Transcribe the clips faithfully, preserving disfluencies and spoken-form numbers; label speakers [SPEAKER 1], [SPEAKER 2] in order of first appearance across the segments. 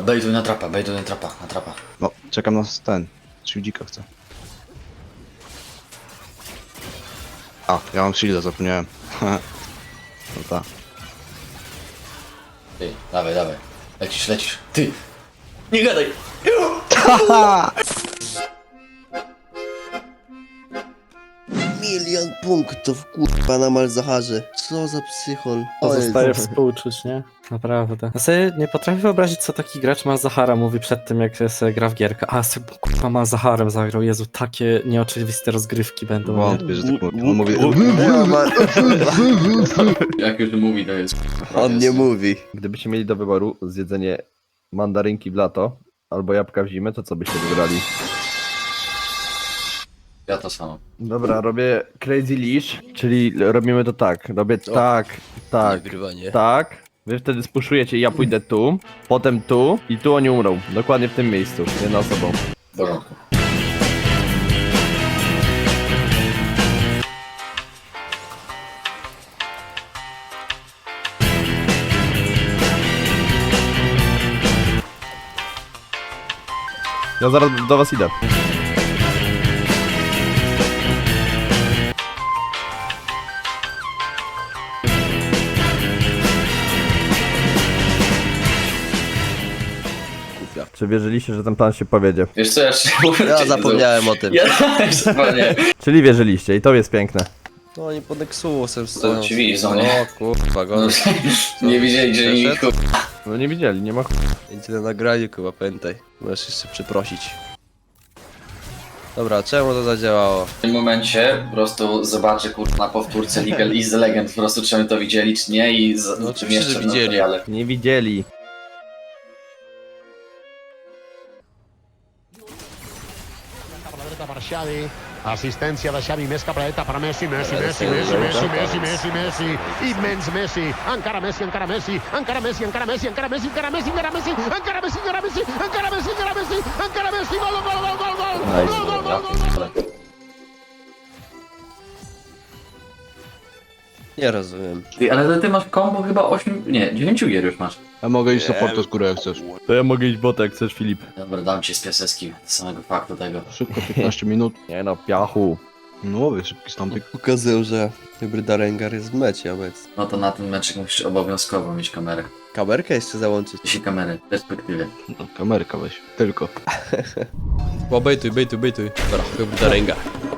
[SPEAKER 1] bejtuj na trapa, bejtuj na trapa, na trapa.
[SPEAKER 2] No, czekam na ten. Shieldzika chcę. A, ja mam shielda, zapomniałem. No tak.
[SPEAKER 1] Ty, dawaj, dawaj. Lecisz, lecisz. Ty! Nie gadaj!
[SPEAKER 3] Milion punktów, kurwa, na Malzaharze. Co za psychol.
[SPEAKER 4] Pozostaje współczuć, nie? Naprawdę. Ja sobie nie potrafię wyobrazić, co taki gracz Malzahara mówi przed tym, jak sobie gra w gierkę. A sobie kurwa Malzaharem zagrał. Jezu, takie nieoczywiste rozgrywki będą. Nie?
[SPEAKER 2] Wątpię, że tak mówi. On mówi...
[SPEAKER 1] Jak już mówi, to jest...
[SPEAKER 3] On nie mówi.
[SPEAKER 5] Gdybyście mieli do wyboru zjedzenie mandarynki w lato albo jabłka w zimę, to co byście wybrali?
[SPEAKER 1] Ja to samo.
[SPEAKER 5] Dobra, robię crazy leash, czyli robimy to tak. Robię tak, tak,
[SPEAKER 3] Nagrywanie.
[SPEAKER 5] tak. Wy wtedy spuszujecie i ja pójdę tu, potem tu i tu oni umrą. Dokładnie w tym miejscu, jedna osobą.
[SPEAKER 1] W porządku.
[SPEAKER 5] Ja zaraz do was idę. Czy wierzyliście, że ten plan się powiedzie?
[SPEAKER 1] Wiesz co, ja jeszcze...
[SPEAKER 3] Ja zapomniałem o tym.
[SPEAKER 1] Ja też zapomniałem.
[SPEAKER 5] Czyli wierzyliście i to jest piękne.
[SPEAKER 3] No oni pod Nexusem stoją.
[SPEAKER 1] ci widzisz, no nie?
[SPEAKER 3] O kurwa, go.
[SPEAKER 1] Nie wiedzieli, że nie...
[SPEAKER 3] Przeszedł?
[SPEAKER 5] No nie widzieli, nie ma ch...
[SPEAKER 3] Będzie na nagraniu, chyba, pamiętaj. Możesz jeszcze przeprosić. Dobra, czemu to zadziałało?
[SPEAKER 1] W tym momencie po prostu zobaczę kurwa na powtórce Legal is the Legend, po prostu czy my to widzieli, czy nie i z...
[SPEAKER 3] No oczywiście, że
[SPEAKER 1] w
[SPEAKER 3] widzieli.
[SPEAKER 1] materiale.
[SPEAKER 5] Nie widzieli.
[SPEAKER 6] Per Xavi, assistència de Xavi, més cap a la dreta per Messi, Messi, Messi, Messi, Messi, Messi, Messi, Messi, immens Messi, encara Messi, encara Messi, encara Messi, encara Messi, encara Messi, encara Messi, encara Messi, encara Messi, encara Messi, encara Messi, encara Messi, encara Messi, gol, gol, gol, gol, gol, gol, gol, gol, gol, gol.
[SPEAKER 3] Nie rozumiem.
[SPEAKER 1] Ty, ale ty masz combo chyba osiem, nie, dziewięć gier już masz.
[SPEAKER 2] Ja mogę iść supportu z góry jak chcesz.
[SPEAKER 5] To ja mogę iść bota jak chcesz, Filip.
[SPEAKER 1] Dobra, dam ci z piaseckim, z samego faktu tego.
[SPEAKER 2] Szybko, piętnaście minut.
[SPEAKER 5] Nie no, piachu.
[SPEAKER 2] No mówię, szybki stąpik.
[SPEAKER 3] Pokazują, że hybryda Rengar jest w mecie obecnie.
[SPEAKER 1] No to na ten meczek musisz obowiązkowo mieć kamerę.
[SPEAKER 3] Kamerkę jeszcze załączyć.
[SPEAKER 1] Jeśli kamerę, w perspektywie.
[SPEAKER 2] No, kamerka weź. Tylko.
[SPEAKER 3] O, bejtuj, bejtuj, bejtuj. Dobra, hybryda Rengar.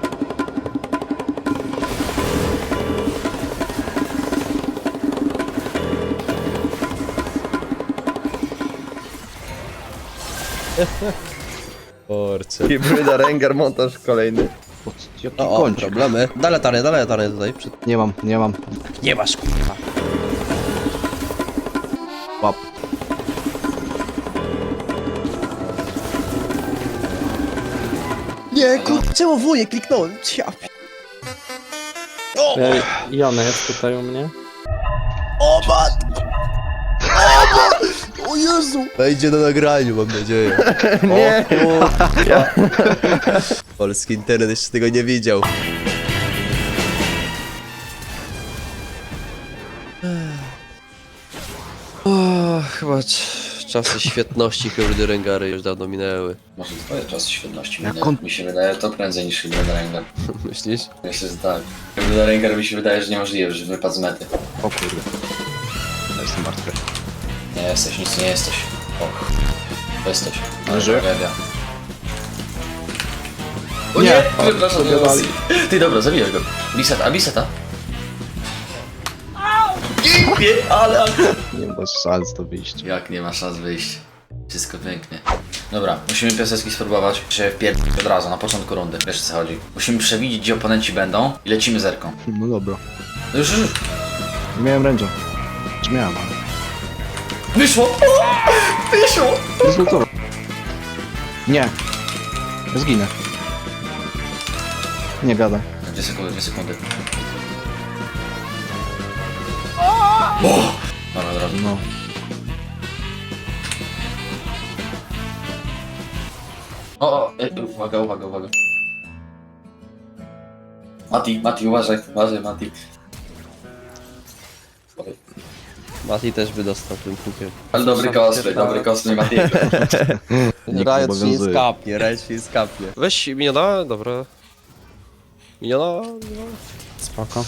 [SPEAKER 3] Porce.
[SPEAKER 5] Hybryda Rengar montaż kolejny.
[SPEAKER 2] O, jaki
[SPEAKER 3] O, o,
[SPEAKER 2] kończyk.
[SPEAKER 3] problemy. Dalej latarnię, dalej latarnię tutaj. Przed...
[SPEAKER 2] Nie mam, nie mam.
[SPEAKER 3] Nie masz, kurwa.
[SPEAKER 2] Łap.
[SPEAKER 3] Nie, kurwa, czemu wuje kliknąłem? Ja. O,
[SPEAKER 4] Ej, I ona jest tutaj u mnie.
[SPEAKER 3] o matko! O, ma- o Jezu! Wejdzie na nagraniu, mam nadzieję.
[SPEAKER 5] Nie.
[SPEAKER 3] O, kurwa. Polski internet jeszcze tego nie widział. O, chyba c- czasy świetności hybrydy Rengary już dawno minęły.
[SPEAKER 1] Może twoje czasy świetności
[SPEAKER 2] Jak
[SPEAKER 1] minęły.
[SPEAKER 2] on-
[SPEAKER 1] Mi się wydaje to prędzej niż Hybryda Rengar.
[SPEAKER 3] Myślisz?
[SPEAKER 1] Myślę, że tak. Hybryda Rengar mi się wydaje, że niemożliwe, że wypadł z mety.
[SPEAKER 2] O kurde. Ja jestem martwy.
[SPEAKER 1] Nie jesteś, nic nie jesteś. O, jesteś.
[SPEAKER 2] Leży?
[SPEAKER 1] Tragedia. O nie! Przepraszam, nie
[SPEAKER 2] dodali.
[SPEAKER 1] Ty dobra, zabijaj go. Biseta, biseta. Pięknie, ale...
[SPEAKER 2] Nie ma szans to wyjść.
[SPEAKER 1] Jak nie ma szans wyjść. Wszystko pięknie. Dobra, musimy piasecki spróbować się wpierdolić od razu, na początku rundy. Wiesz o co chodzi. Musimy przewidzieć, gdzie oponenci będą i lecimy zerką.
[SPEAKER 2] No dobra.
[SPEAKER 1] No już, już, już.
[SPEAKER 2] Nie miałem ręcza. Czy miałem, ale...
[SPEAKER 1] Wyszło! O! Wyszło!
[SPEAKER 2] Rezultowo. Nie. Zginę. Nie gadaj.
[SPEAKER 1] Dwie sekundy, dwie sekundy. Dobra, od razu.
[SPEAKER 2] No.
[SPEAKER 1] O, o, e, uwaga, uwaga, uwaga. Mati, Mati, uważaj, uważaj, Mati. Okej.
[SPEAKER 7] Mati też by dostał tym hukiem.
[SPEAKER 1] Ale dobry cosplay, dobry cosplay Matiego.
[SPEAKER 2] Nikt
[SPEAKER 7] Riot się nie
[SPEAKER 2] obowiązuje.
[SPEAKER 7] skapnie, Riot się nie skapnie. Weź miniona, dobra. Miniona, miniona.
[SPEAKER 4] Spoko.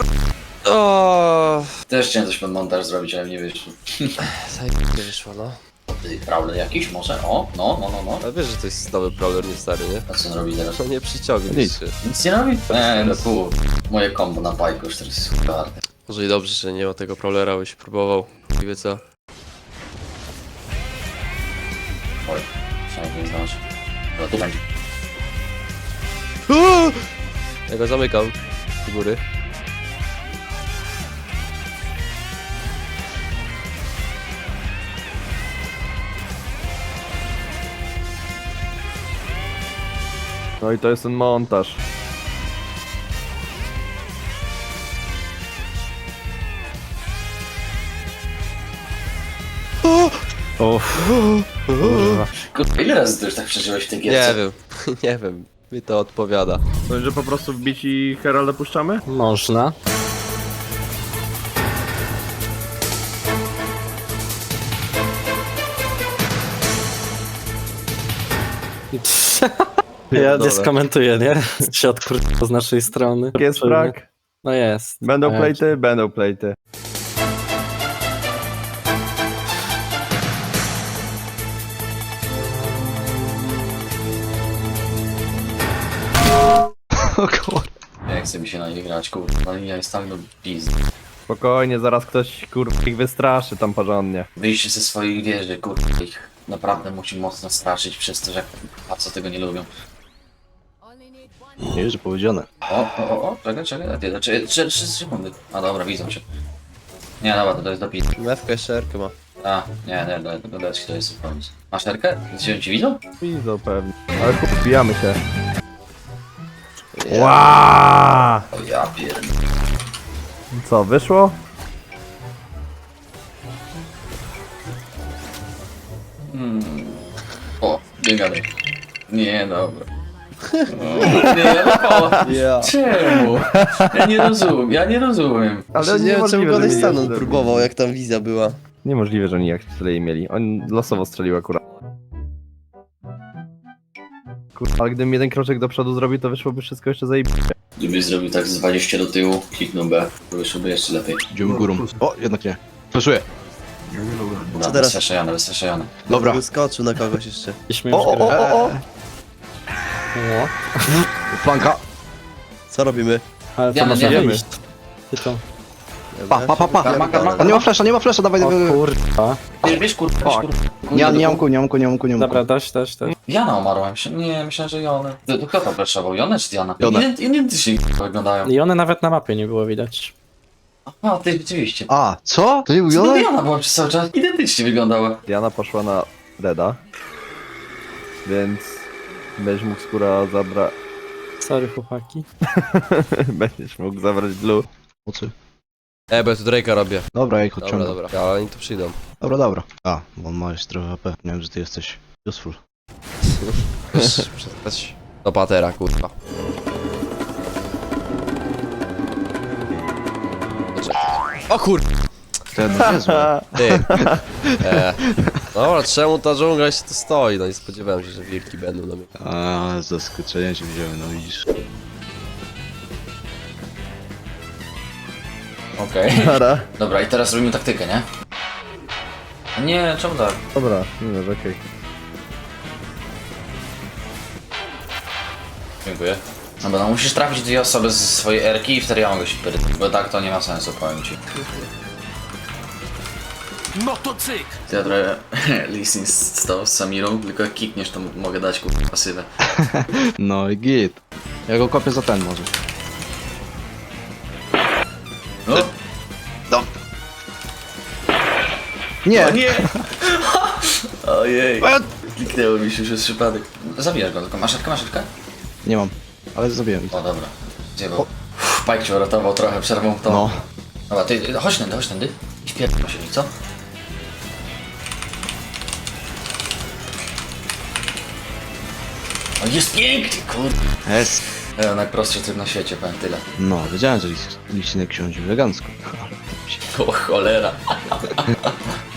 [SPEAKER 7] O,
[SPEAKER 1] Też chciałem coś pod montaż zrobić, ale nie wyszło.
[SPEAKER 7] zajebiście wyszło, no.
[SPEAKER 1] Ty, Prowler jakiś może? O, no, no, no, no.
[SPEAKER 7] Ale wiesz, że to jest nowy brawler, nie stary, nie?
[SPEAKER 1] A co on robi teraz?
[SPEAKER 7] No nie przyciągnie
[SPEAKER 2] Nic.
[SPEAKER 7] się.
[SPEAKER 1] Nic nie robi? Eee, no kur... Moje combo na pajku już teraz jest super warte.
[SPEAKER 7] Może i dobrze, że nie ma tego brawlera, by się próbował. I wie co?
[SPEAKER 1] Oj, trzeba nie zdążyć. No tu będzie.
[SPEAKER 7] Ja go zamykam. Do góry.
[SPEAKER 5] No i to jest ten montaż.
[SPEAKER 4] Uff. Kurwa.
[SPEAKER 1] Kurwa, ile razy ty już tak przeżyłeś w tej gierce?
[SPEAKER 7] Nie wiem, nie wiem. Mi to odpowiada.
[SPEAKER 5] To, że po prostu wbić i Heralda puszczamy?
[SPEAKER 4] Można. Ja nie skomentuję, nie? Się odkurczyło z naszej strony.
[SPEAKER 5] Jest brak.
[SPEAKER 4] No jest.
[SPEAKER 5] Będą
[SPEAKER 4] A ja-
[SPEAKER 5] plejty? Będą plejty.
[SPEAKER 2] O kur...
[SPEAKER 1] Jak chce mi się na nie grać, kurwa, ja jest tak do pizdy.
[SPEAKER 5] Spokojnie, zaraz ktoś kurwa ich wystraszy tam porządnie.
[SPEAKER 1] Wyjście ze swoich wieży, kurwa, ich naprawdę musi mocno straszyć przez to, że a co tego nie lubią.
[SPEAKER 2] Nie że powiedziane.
[SPEAKER 1] O, o, o, o, czekaj, czekaj, a ty, trzy, trzy, trzy sekundy. A dobra, widzą się. Nie, dobra, to, to jest do pizdy.
[SPEAKER 7] Mewka jeszcze erkę ma.
[SPEAKER 1] A, nie, nie, do, do deski to jest pomysł. Masz terkę? Się ci widzą?
[SPEAKER 5] Widzą pewnie. Ale kurwa, wbijamy się. Wow!
[SPEAKER 1] O ja pierd...
[SPEAKER 5] Co, wyszło?
[SPEAKER 1] O, nie gadaj. Nie, dobra. O, nie, no,
[SPEAKER 7] Ja.
[SPEAKER 1] czemu? Ja nie rozumiem, ja nie rozumiem.
[SPEAKER 5] Ale
[SPEAKER 7] nie wiem czemu
[SPEAKER 5] niemożliwe,
[SPEAKER 7] go
[SPEAKER 5] że mieli
[SPEAKER 7] Stanon
[SPEAKER 5] jeszcze-
[SPEAKER 7] próbował, jak tam wizja była.
[SPEAKER 5] Niemożliwe, że oni jak tyle jej mieli. On losowo strzelił akurat. Kurwa, ale gdybym jeden kroczek do przodu zrobił, to wyszłoby wszystko jeszcze zajebiście.
[SPEAKER 1] Gdybyś zrobił tak z dwadzieścia do tyłu, kliknął B, to wyszłoby jeszcze lepiej.
[SPEAKER 2] Idziemy górą. O, jednak nie. Flaszuję.
[SPEAKER 1] Dobra,
[SPEAKER 7] teraz?
[SPEAKER 1] Wystraszajony, wystraszajony.
[SPEAKER 2] Dobra.
[SPEAKER 7] Wyskoczył na kogoś jeszcze.
[SPEAKER 4] Byśmy już
[SPEAKER 5] O, o, o, o, o!
[SPEAKER 4] No.
[SPEAKER 2] Flanka.
[SPEAKER 7] Co robimy?
[SPEAKER 4] Ale to
[SPEAKER 1] Diana,
[SPEAKER 4] można
[SPEAKER 5] Diana.
[SPEAKER 4] wyjść. Ty to.
[SPEAKER 2] Pa, pa, pa, pa.
[SPEAKER 1] Karma, karma,
[SPEAKER 2] On nie ma flasza, nie ma flasza, dawaj,
[SPEAKER 4] O
[SPEAKER 2] dawaj. dawaj.
[SPEAKER 4] kurwa.
[SPEAKER 1] Bierz, bierz kurwa, bierz kurwa.
[SPEAKER 2] Nie, nie mam ku, nie mam ku, nie mam ku, nie mam ku.
[SPEAKER 4] Dobra, dość, dość, dość.
[SPEAKER 1] Jana umarła, myślę, nie, myślałem, że Jonę. To, to kto to flashował, Jonę czy Diana?
[SPEAKER 2] Jonę.
[SPEAKER 1] Ident- Identycznie wyglądają.
[SPEAKER 4] I one nawet na mapie nie było widać.
[SPEAKER 1] A, ty rzeczywiście.
[SPEAKER 2] A, co? To nie był
[SPEAKER 1] Co to
[SPEAKER 2] Jonek?
[SPEAKER 1] Diana była przez cały czas? Identycznie wyglądała.
[SPEAKER 5] Diana poszła na Reda. Więc... Będziesz mógł skóra zabrać...
[SPEAKER 4] Sorry chłopaki.
[SPEAKER 5] Będziesz mógł zabrać blue.
[SPEAKER 2] Po co?
[SPEAKER 7] E, bo ja tu Drake'a robię.
[SPEAKER 2] Dobra, ja ich
[SPEAKER 7] Dobra,
[SPEAKER 2] odciągam.
[SPEAKER 7] dobra. Ja, oni tu przyjdą.
[SPEAKER 2] Dobra, dobra. A, bo on ma jeszcze trochę H P. Nie wiem, że ty jesteś useful.
[SPEAKER 7] Wiesz, przetrwać do patera, kurwa. O kur...
[SPEAKER 2] Ten no niezły.
[SPEAKER 7] Ty. E. Dobra, czemu ta dżungla się tu stoi? No nie spodziewałem się, że wilki będą na mnie.
[SPEAKER 2] A, z zaskoczenia cię wziąłem, no widzisz.
[SPEAKER 1] Okej.
[SPEAKER 5] Dobra.
[SPEAKER 1] Dobra, i teraz robimy taktykę, nie? A nie, czemu tak?
[SPEAKER 5] Dobra, nie wiem, okej.
[SPEAKER 1] Dziękuję. Dobra, no musisz trafić dwie osoby z swojej erki i wtedy ja mogę się pytać, bo tak to nie ma sensu, powiem ci.
[SPEAKER 8] No to cyk!
[SPEAKER 1] To ja trochę Lissin stał z Samirą, tylko jak kikniesz to m- mogę dać kurwa pasywę.
[SPEAKER 2] No i git. Ja go kopię za ten może.
[SPEAKER 1] No,
[SPEAKER 2] Nie!
[SPEAKER 1] o nie! Ojej. Kliknęło mi się już jest przypadek. Zabijasz go, tylko maszeczkę, maszeczkę?
[SPEAKER 2] Nie mam. Ale zabiłem.
[SPEAKER 1] O dobra. Zjebał. Pajk cię uratował trochę, przerwą to.
[SPEAKER 2] No.
[SPEAKER 1] Dobra, ty chodź tędy, chodź tędy. I wpierdol się, co? O, jest pięknie, kurde.
[SPEAKER 2] Jest.
[SPEAKER 1] E, najprostszy tryb na świecie, powiem tyle.
[SPEAKER 2] No, wiedziałem, że lis- lisinek siądzie elegancko. Ale zrobić.
[SPEAKER 1] O cholera.